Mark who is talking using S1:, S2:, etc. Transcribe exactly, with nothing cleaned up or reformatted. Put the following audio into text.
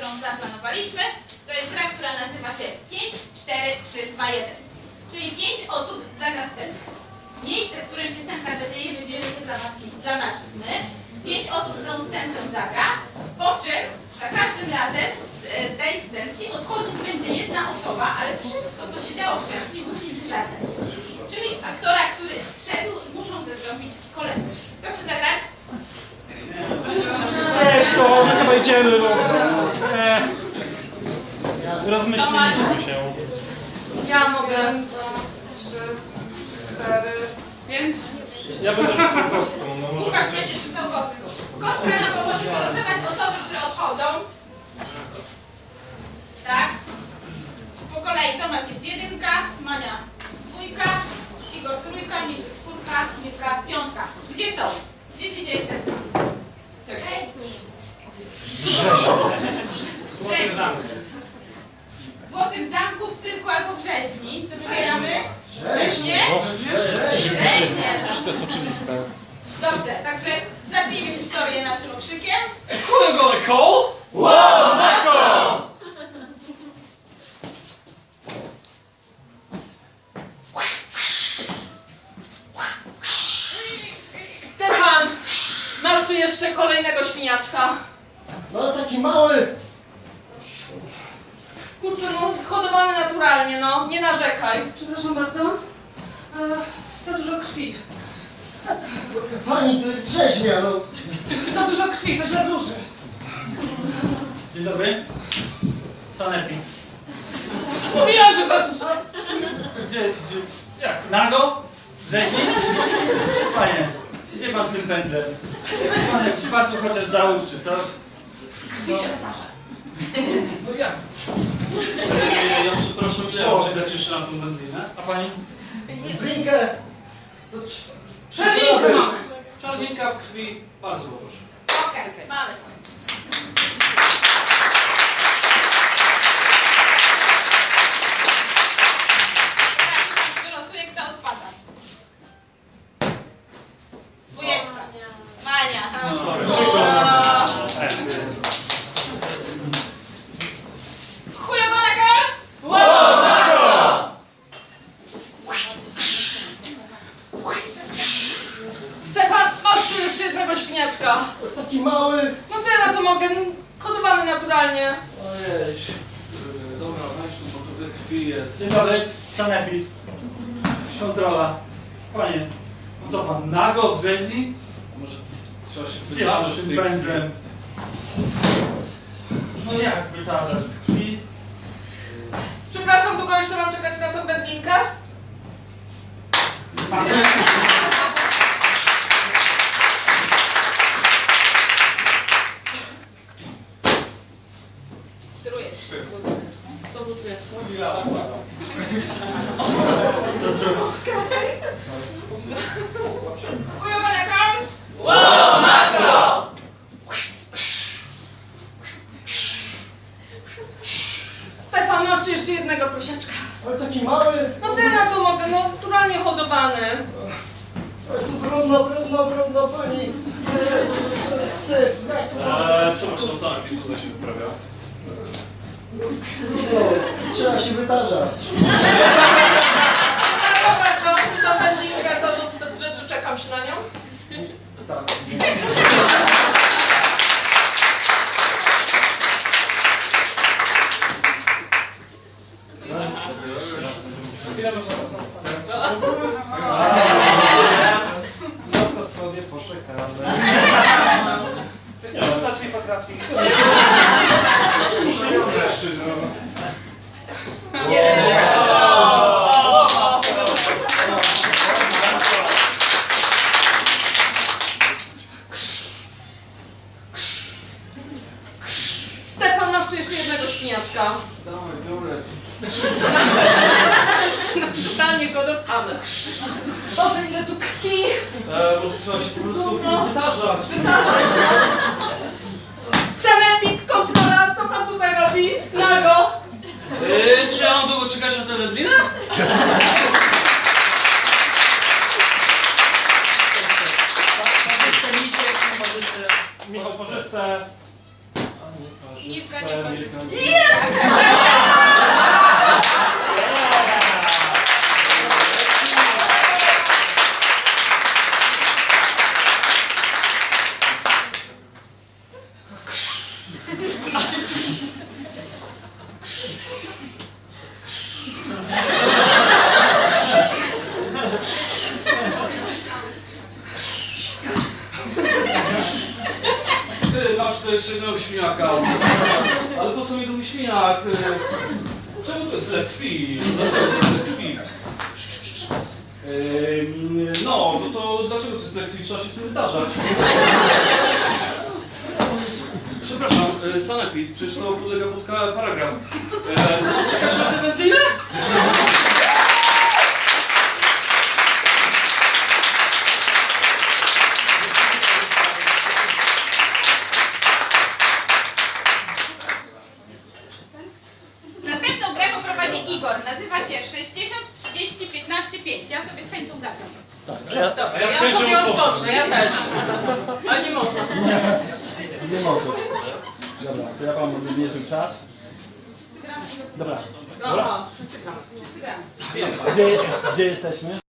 S1: zaplanowaliśmy, to jest gra, która nazywa się pięć, cztery, trzy, dwa, jeden. Czyli pięć osób zagra scenę. Miejsce, w którym się scenka zadzieje, wybierze dla nas, dla nas my. Pięć osób tą scenkę zagra, po czym za każdym razem z tej scenki odchodzić będzie jedna osoba, ale wszystko, co się działo wcześniej, musi się zagrać. Czyli aktora, który zszedł, muszą to zrobić koledzy. Kto chce zagrać?
S2: Eee, to chyba idziemy, no. Eee, rozmyśliliśmy się.
S3: Ja mogę. Dwa, trzy, cztery, pięć.
S2: Ja będę rzucał kostką, no może...
S1: Łukasz będzie rzucał kostką. Kostka nam pomoże wylosować osoby, które odchodzą. Tak? Po kolei Tomasz jest jedynka, Mania dwójka, Igor trójka, Misiu czwórka, Mirka piątka. Gdzie są? Gdzie się dzieje scenka? Wcześniej.
S2: Złoty zamek.
S1: W Złotym Zamku, w cyrku albo w rzeźni. Co wybieramy? Rzeźnie? Rzeźnie.
S2: To jest oczywiste.
S1: Dobrze, także zacznijmy historię naszym okrzykiem.
S2: Who you gonna call? Wow, Michael!
S3: Stefan, masz tu jeszcze kolejnego świniaczka.
S4: No taki mały.
S3: Kurczę, no hodowany naturalnie, no, nie narzekaj. Przepraszam bardzo. E, za dużo krwi.
S4: Pani, to jest rzeźnia, no.
S3: Za dużo krwi, to za duży.
S5: Dzień dobry. Sanepid.
S3: Mówiłam, że za dużo.
S5: Gdzie, gdzie, jak, nago? Rzeźni? Panie, gdzie pan z tym pędzlem? Weź pan jakiś fartuch chociaż załóż, czy co? No, no jak?
S6: Ja, ja przepraszam, ile
S5: O,
S6: mam czekać jeszcze na tą wędlinę?
S5: A pani?
S4: Drinkę. To trz-
S3: Przelinkę
S4: trzy
S3: mamy.
S6: Czarninka w krwi, bardzo proszę.
S1: Okej, mamy to. Teraz wylosuję, kto odpada. Dwójeczka. Mania.
S6: sorry.
S1: O. Chujowana girl?
S3: Stefan, masz tu jeszcze jednego świniaczka.
S4: To taki mały.
S3: No co ja na to mogę? Hodowany naturalnie.
S4: Ojej.
S6: Dobra, weź tu, bo tutaj krwi jest.
S5: Dzień dobry. Sanepid. Kontrola. Panie, no co pan, nago w rzeźni?
S6: Może trzeba się
S5: Gdzie pan
S6: wydarzyć
S5: z
S6: w
S5: tym
S6: tej
S5: pędzlem? No jak wytarzać krwi?
S3: Przepraszam, długo jeszcze mam czekać na tą wędlinkę?
S1: Kierujesz.
S3: To buduję.
S1: Chujowana girl?
S3: Stefan, masz tu jeszcze jednego prosiaczka.
S4: Ale taki mały.
S3: No co ja na to mogę? No naturalnie hodowany.
S4: Ale tu brudno, brudno, brudno, pani. Jezu, psy, jak to
S6: Eee, przepraszam, sam jakiś tutaj się wyprawia.
S4: brudno. Trzeba się wytarzać.
S3: Dobra, to tą wędlinkę, to, to, to, to czekam się na nią.
S4: Tak.
S2: No to sobie poczekamy.
S3: Wiesz co, to też nie potrafi.
S6: Musimy zresztą, no.
S3: Stefan, masz tu jeszcze jednego świniaczka.
S6: Dawaj, biorę.
S3: Naturalnie hodowany. Boże, ile tu krwi.
S6: Eee, może trzeba się po prostu
S3: No.
S6: wydarzać.
S3: Sanepid, kontrola, co pan tutaj robi? Nago.
S6: Eee, czy ja mam długo czekać na tę wędlinę?
S5: Michał, pożyste.
S4: Ani.
S1: Niska niekorzystna.
S6: Ty, masz tu jeszcze jednego świniaka. Ale po co mi tu świniak? E, Czemu to jest tyle krwi? Dlaczego to jest tyle krwi? Ehm, No, no to dlaczego to jest tyle krwi? Trzeba się w tym wydarzać. Przepraszam, e, sanepid, przecież to podlega pod ka- paragraf. E, Czekasz na tę wędlinę?
S1: Następną grę poprowadzi Igor. Nazywa się sześćdziesiąt, trzydzieści, piętnaście, pięć. Ja sobie z chęcią zagram.
S3: Dobra,
S6: A ja z
S3: ja
S6: chęcią
S3: sobie
S6: odpocznę.
S3: odpocznę, ja też. Ale nie można.
S5: Nie mogę. Dobra, to ja wam odmierzę czas. Dobra.
S3: No, no, wszyscy gramy.
S1: Gramy.
S5: Gdzie, gdzie jesteśmy?